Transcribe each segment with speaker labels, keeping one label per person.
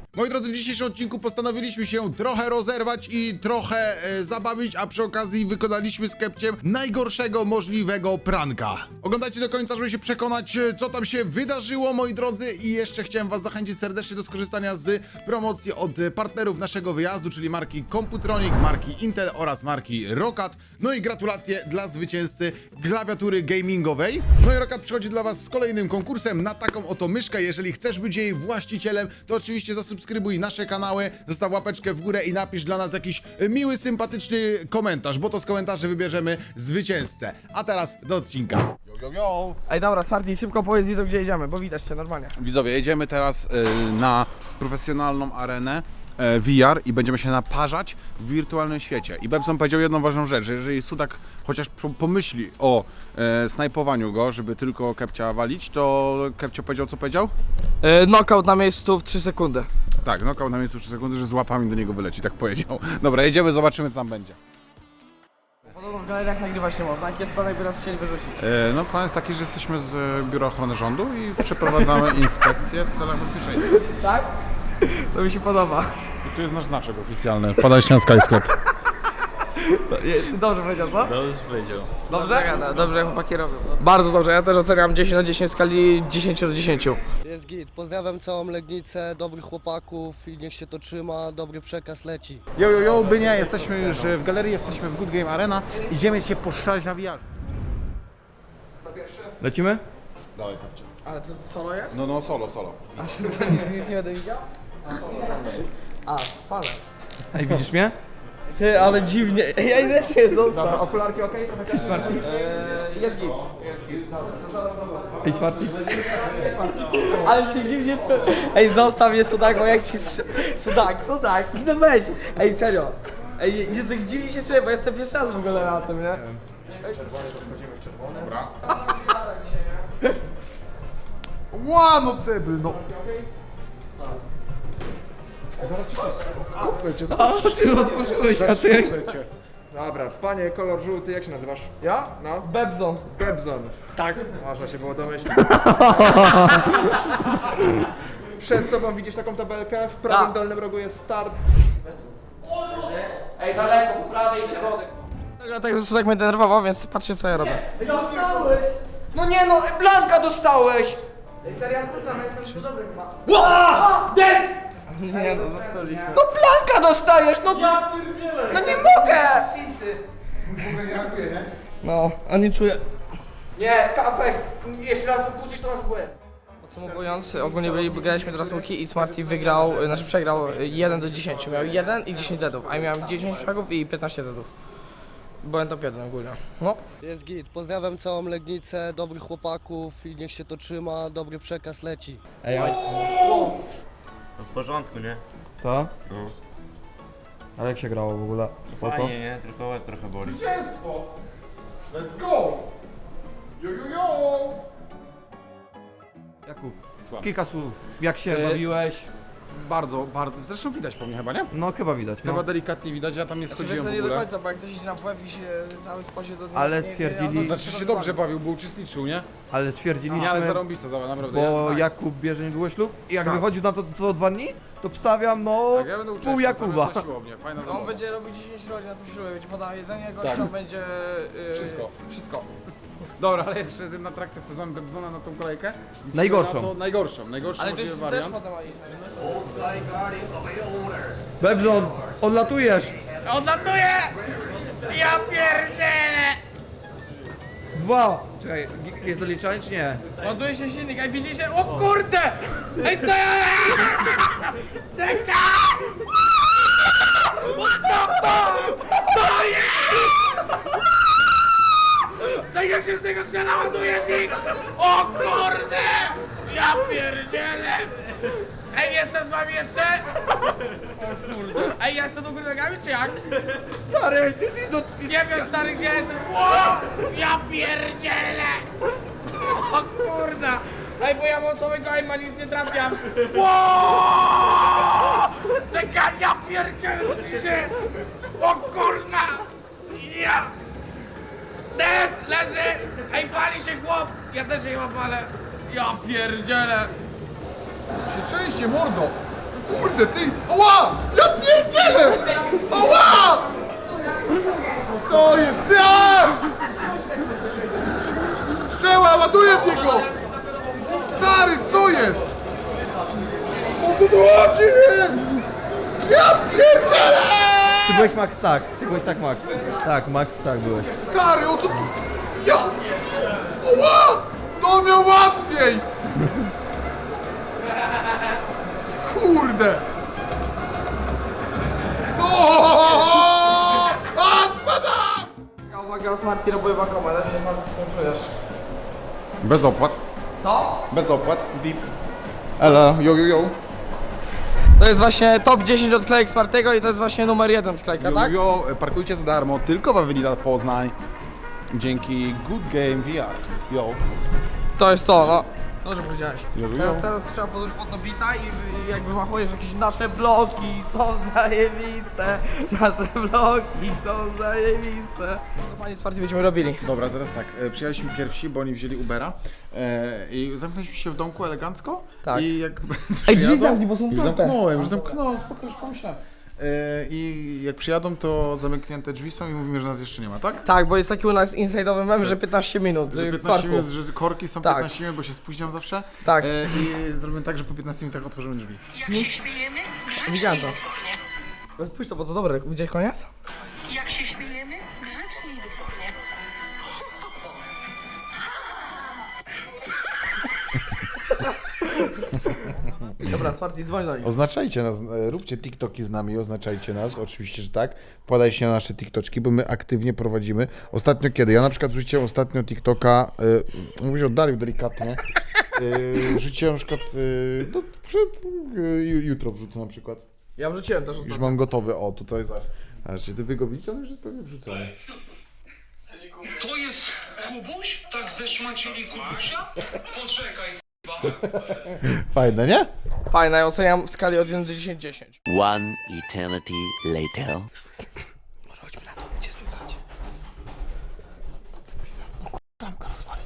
Speaker 1: Moi drodzy, w dzisiejszym odcinku postanowiliśmy się trochę rozerwać i trochę zabawić, a przy okazji wykonaliśmy z Kepciem najgorszego możliwego pranka. Oglądajcie do końca, żeby się przekonać, co tam się wydarzyło, moi drodzy, i jeszcze chciałem was zachęcić serdecznie do skorzystania z promocji od partnerów naszego wyjazdu, czyli marki Computronic, marki Intel oraz marki Roccat. No i gratulacje dla zwycięzcy klawiatury gamingowej. No i Roccat przychodzi dla was z kolejnym konkursem na taką oto myszkę. Jeżeli chcesz być jej właścicielem, to oczywiście zasubskrybuj nasze kanały, zostaw łapeczkę w górę i napisz dla nas jakiś miły, sympatyczny komentarz, bo to z komentarzy wybierzemy zwycięzcę. A teraz do odcinka. Yo.
Speaker 2: Ej, dobra, Smarty, szybko powiedz widzom, gdzie jedziemy, bo widać cię normalnie.
Speaker 1: Widzowie, jedziemy teraz na profesjonalną arenę VR i będziemy się naparzać w wirtualnym świecie. I Bebson powiedział jedną ważną rzecz, że jeżeli Sudak chociaż pomyśli o snajpowaniu go, żeby tylko Kepcia walić, to Kepcio powiedział, co powiedział?
Speaker 2: Knockout na miejscu w 3 sekundy.
Speaker 1: Tak, knockout na miejscu 3 sekundy, że z łapami do niego wyleci, tak powiedział. Dobra, jedziemy, zobaczymy, co tam będzie.
Speaker 2: Podobno w galeriach nagrywać nie można, jaki jest plan, jakby nas chcieli wyrzucić?
Speaker 1: No plan jest taki, że jesteśmy z Biura Ochrony Rządu i przeprowadzamy inspekcję w celach bezpieczeństwa.
Speaker 2: Tak? To mi się podoba.
Speaker 1: I tu jest nasz znaczek oficjalny, wpadajcie na Skysklep.
Speaker 2: Ty dobrze powiedział, co?
Speaker 3: Dobrze powiedział.
Speaker 2: Dobrze? Dobrze, chłopaki robią. Bardzo dobrze, ja też oceniam 10 na 10 w skali 10 do 10.
Speaker 4: Jest git. Pozdrawiam całą Legnicę, dobrych chłopaków i niech się to trzyma, dobry przekaz leci.
Speaker 1: Yo, by nie, jesteśmy już w galerii, jesteśmy w Good Game Arena. Idziemy się poszczać na VR.
Speaker 3: Lecimy?
Speaker 1: Dawaj, Kepcio.
Speaker 2: Ale to solo jest?
Speaker 1: No, solo.
Speaker 2: Nic nie będę widział? A, fale.
Speaker 3: Ej, widzisz mnie?
Speaker 2: Ty, ale dziwnie. Ja też się został.
Speaker 1: Okularki okej?
Speaker 3: Ej, Smarty.
Speaker 2: Jest git.
Speaker 3: Ej, Smarty.
Speaker 2: Ale się dziwnie czuję. Ej, zostaw mnie Sudak, bo jak ci Sudak, no weź. Ej, serio. Ej, Jezu, jak dziwnie się czuję, bo jestem pierwszy raz w ogóle na tym, nie?
Speaker 1: Dobra. Ła, no debil, no. Zaraz ci to skopnę cię, zobaczysz.
Speaker 3: Ty otworzyłeś, a ty...
Speaker 1: Skopnę cię.
Speaker 5: Dobra, panie kolor żółty, jak się nazywasz?
Speaker 2: Ja?
Speaker 5: No.
Speaker 2: Bebzon.
Speaker 5: Gebzon.
Speaker 2: Tak.
Speaker 5: Można się było domyślić. Przed sobą widzisz taką tabelkę, w prawym
Speaker 2: Tak.
Speaker 5: dolnym rogu jest start.
Speaker 2: Ej, daleko, po prawej środek. Tak, Sudak mnie denerwował, więc patrzcie co ja robię.
Speaker 6: No nie no, Blanka dostałeś!
Speaker 2: Nie no, zostaliśmy.
Speaker 6: No Blanka dostajesz, no... No nie mogę!
Speaker 2: No, a nie czuję.
Speaker 6: Nie, Kafek, jeszcze raz obudzisz, to masz w łeb.
Speaker 2: Podsumowując, ogólnie graliśmy teraz łuki i Smarty wygrał, znaczy przegrał 1 do 10. Miał 1 i 10 deadów, a ja miałem 10 fragów i 15 deadów. Byłem top 1 ogólnie. No.
Speaker 4: Jest git. Pozdrawiam całą Legnicę, dobrych chłopaków i niech się to trzyma, dobry przekaz leci.
Speaker 3: Ej, oj.
Speaker 7: W porządku, nie?
Speaker 3: To?
Speaker 7: No.
Speaker 3: Ale jak się grało w ogóle? Spoko?
Speaker 7: Fajnie, nie? Tylko łeb trochę boli.
Speaker 1: Zwycięstwo! Let's go! Yo!
Speaker 3: Jakub,
Speaker 1: Słabo.
Speaker 3: kilka słów. Jak się bawiłeś?
Speaker 1: Bardzo, zresztą widać po mnie chyba, nie?
Speaker 3: No chyba widać, no.
Speaker 1: Chyba delikatnie widać, ja tam nie schodziłem w
Speaker 2: nie do
Speaker 1: ogóle.
Speaker 2: końca, bo jak ktoś idzie na WF i się cały sposie do
Speaker 3: Ale stwierdzili-
Speaker 1: Znaczy się dobrze bawił, bo uczestniczył, nie?
Speaker 3: Ale stwierdziliśmy,
Speaker 1: Nie, ale zarąbista zabawa, naprawdę.
Speaker 3: bo
Speaker 1: tak.
Speaker 3: Jakub bierze niedługo ślub i jak
Speaker 1: Tak.
Speaker 3: wychodził na to co 2 dni, to wstawiam no
Speaker 1: Tak, ja będę uczestniczył,
Speaker 3: pół Jakuba.
Speaker 1: zamiast na siłownię, fajna
Speaker 2: On
Speaker 1: zabawa.
Speaker 2: będzie robił 10 rodzin na tym ślubie, będzie podał jedzenie, gościom
Speaker 1: Tak.
Speaker 2: będzie... Wszystko.
Speaker 1: Dobra, ale jeszcze jest jedna atrakcja, wsadzamy Bebzona na tą kolejkę. Liczymy
Speaker 3: Najgorszą.
Speaker 1: na to- Najgorszą
Speaker 2: Ale to
Speaker 1: możliwy
Speaker 2: jest też
Speaker 1: wariant.
Speaker 2: podawali.
Speaker 3: Bebzon, odlatujesz!
Speaker 2: Odlatuję! Ja pierdzielę!
Speaker 3: 2! Czekaj, jest doliczanie czy nie?
Speaker 2: Ładuje się silnik, ej widzicie? O kurde! Ej co ja... Czekaj! What the fuck? To jest! Tak jak się z tego strzela ładuje nick! O kurde! Ja pierdzielę! Ej, jestem z wami jeszcze? O kurde. Ej, ja jestem do góry nogami, czy jak?
Speaker 3: Stary, ty jesteś do...
Speaker 2: Nie wiem, stary, gdzie ja jestem. Wow! Ja pierdzielę! O kurda! Ej, bo ja mam słabego aima, nic nie trafiam. Wow! Czekaj, ja pierdzielę, się! O kurna! Ja! Dead! Leży! Ej, pali się chłop! Ja też się chyba palę. Ja pierdzielę!
Speaker 1: Się częściej, mordo! Kurde, ty! Oła! Ja pierdzielę! Oła! Co jest? Ty! Strzela, ładuję w niego! Stary, co jest? O co tu chodzi? Ja pierdzielę!
Speaker 3: Ty byłeś Max tak. Ty byłeś tak Max. Tak, Max tak byłeś.
Speaker 1: Stary, o co tu? Ja! Oła! To miał łatwiej! Kurde! O! A, spada!
Speaker 2: Uwaga, Smarty robiła komę, ale nie Smarty, co czujesz?
Speaker 1: Bez opłat.
Speaker 2: Co?
Speaker 1: Bez opłat. VIP. Elo, yo.
Speaker 2: To jest właśnie top 10 odklejek Smartego i to jest właśnie numer 1 odklejka, tak?
Speaker 1: Yo, parkujcie za darmo, tylko w Avenida Poznań. Dzięki Good Game VR. Yo.
Speaker 2: To jest to, no. Dobrze powiedziałeś.
Speaker 1: Yo.
Speaker 2: Teraz trzeba podejść pod to bita i jakby machujesz jakieś nasze bloki są zajebiste. Nasze bloki są zajebiste. Co panie Smarty będziemy robili?
Speaker 1: Dobra, teraz tak, przyjechaliśmy pierwsi, bo oni wzięli Ubera i zamknęliśmy się w domku elegancko.
Speaker 2: Tak.
Speaker 1: I jak
Speaker 2: Ej, drzwi
Speaker 1: przyjadą-
Speaker 2: zamknij, bo są
Speaker 1: Już
Speaker 2: otwarte.
Speaker 1: zamknąłem, spoko, już pomyślałem. I jak przyjadą, to zamknięte drzwi są i mówimy, że nas jeszcze nie ma, tak?
Speaker 2: Tak, bo jest taki u nas inside'owy mem, że 15 minut.
Speaker 1: Że
Speaker 2: w
Speaker 1: 15
Speaker 2: parku.
Speaker 1: minut, że korki są
Speaker 2: Tak.
Speaker 1: 15 minut, bo się spóźniam zawsze.
Speaker 2: Tak.
Speaker 1: I zrobimy tak, że po 15 minutach otworzymy drzwi.
Speaker 8: Jak się śmiejemy,
Speaker 2: Widziałem
Speaker 8: grzeczniej
Speaker 2: to.
Speaker 8: wytwornie.
Speaker 2: Pójdź to, bo to dobre. Widziałeś koniec?
Speaker 8: Jak się śmiejemy, grzeczniej wytwornie.
Speaker 2: Dobra, Smarty, dzwoń do nich.
Speaker 1: Oznaczajcie nas, róbcie TikToki z nami, oznaczajcie nas, oczywiście, że tak. Wpadajcie się na nasze TikToczki, bo my aktywnie prowadzimy. Ostatnio kiedy? Ja na przykład wrzuciłem ostatnio TikToka, bym się oddalił delikatnie. Rzuciłem na przykład, no, jutro wrzucę na przykład.
Speaker 2: Ja wrzuciłem też
Speaker 1: Już
Speaker 2: ostatnio.
Speaker 1: mam gotowy, o tutaj znaczy ty wy go widzicie, on już jest pewnie wrzucony.
Speaker 9: To jest Kubuś? Tak zeszmacili Kubusia? Poczekaj,
Speaker 1: Fajne, nie?
Speaker 2: Fajne, ja oceniam w skali od 1 do 10 10.
Speaker 10: One eternity later.
Speaker 2: Może chodźmy na to, będzie słychać.
Speaker 1: Klamka rozwali.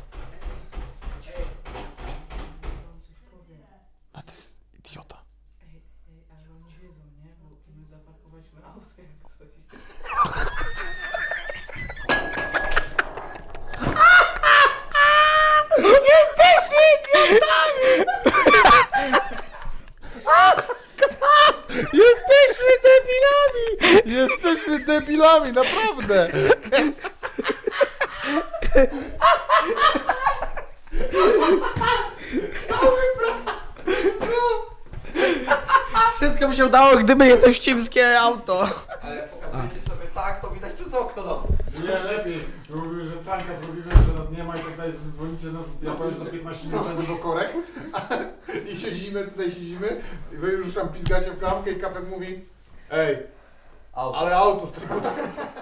Speaker 1: A to jest idiota. Jesteśmy debilami! Jesteśmy debilami, naprawdę!
Speaker 2: Wszystko by się udało, gdyby nie to ścimskie auto.
Speaker 6: Pokazujcie sobie tak, to widać przez okno. No.
Speaker 1: Nie, lepiej. Mówimy, że pranka zrobimy, że nas nie ma i tak dalej, dzwonicie nas, ja powiem, że za 15 minut będę do korek. I siedzimy, i wy już tam pizgacie w klamkę i Kapek mówi: ej, ale auto stoi.